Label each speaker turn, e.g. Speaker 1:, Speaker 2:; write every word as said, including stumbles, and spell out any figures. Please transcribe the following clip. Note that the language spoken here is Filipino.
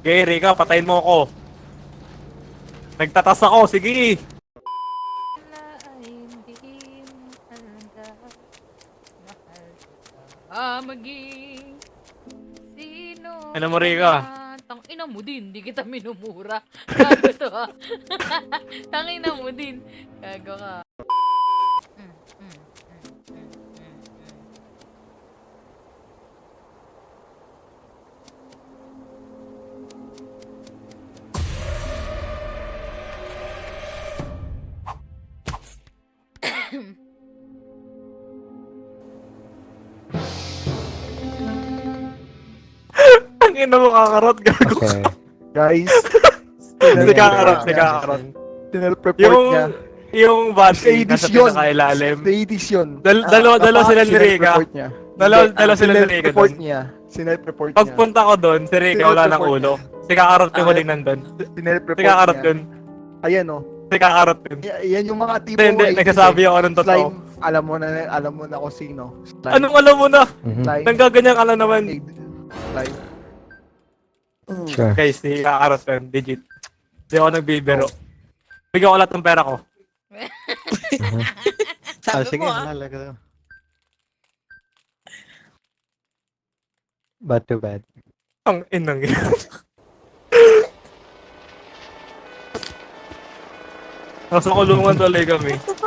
Speaker 1: Okay, Rika, patayin mo ako. Nagtatas ako, sige.
Speaker 2: Wala ay hindi mo talaga mahal kita. Ah, maging sino
Speaker 1: Ano mo,
Speaker 2: ka
Speaker 1: Rika?
Speaker 2: man. Tang ina mo din, di kita minumura. Gago to ha. Tang ina mo din. Gago ka. Mm, mm, mm, mm, mm, mm.
Speaker 1: Ang ina mo kakarot, gago ka.
Speaker 3: Okay.
Speaker 4: Guys,
Speaker 1: Si kakarot, si kakarot.
Speaker 4: tinel-report
Speaker 1: Yung,
Speaker 4: niya.
Speaker 1: yung body
Speaker 4: Sa
Speaker 1: nasa
Speaker 4: yun.
Speaker 1: pinakailalim.
Speaker 4: Sa Hades yun.
Speaker 1: Dal- dalawa, dalawa sila ni Rika.
Speaker 4: Sinel-report niya.
Speaker 1: Dalawa,
Speaker 4: Hindi,
Speaker 1: dalawa sila ni Rika
Speaker 4: sinel-report
Speaker 1: doon.
Speaker 4: niya. Sinel-report niya.
Speaker 1: Pagpunta ko doon, si Rika wala ng
Speaker 4: Sinel-report
Speaker 1: ulo.
Speaker 4: niya.
Speaker 1: Si kakarot yung
Speaker 4: Ah.
Speaker 1: huling nandun.
Speaker 4: Sinel-report
Speaker 1: Si kakarot
Speaker 4: niya.
Speaker 1: yun.
Speaker 4: Ayan oh.
Speaker 1: Si kakarot yun.
Speaker 4: Y- yan yung mga tipo
Speaker 1: Hindi, hindi,
Speaker 4: Hades,
Speaker 1: nagsasabi
Speaker 4: eh.
Speaker 1: ako ng totoo.
Speaker 4: Slime, alam mo na, alam mo na kung sino. Slime.
Speaker 1: Anong alam mo na?
Speaker 3: Mhm.
Speaker 4: Slime.
Speaker 1: Nanggaganyan ka lang naman.
Speaker 4: Slime.
Speaker 3: Sure.
Speaker 1: Guys, si kakarot yun, legit. Hindi ako nagbibiro. Bigyan ko lahat ng pera ko.
Speaker 3: Ah,
Speaker 5: Sabi
Speaker 3: sige,
Speaker 5: mo ah.
Speaker 3: halaga to. Bad to bad.
Speaker 1: Ang inang yun. Nasa kulungan tuloy kami.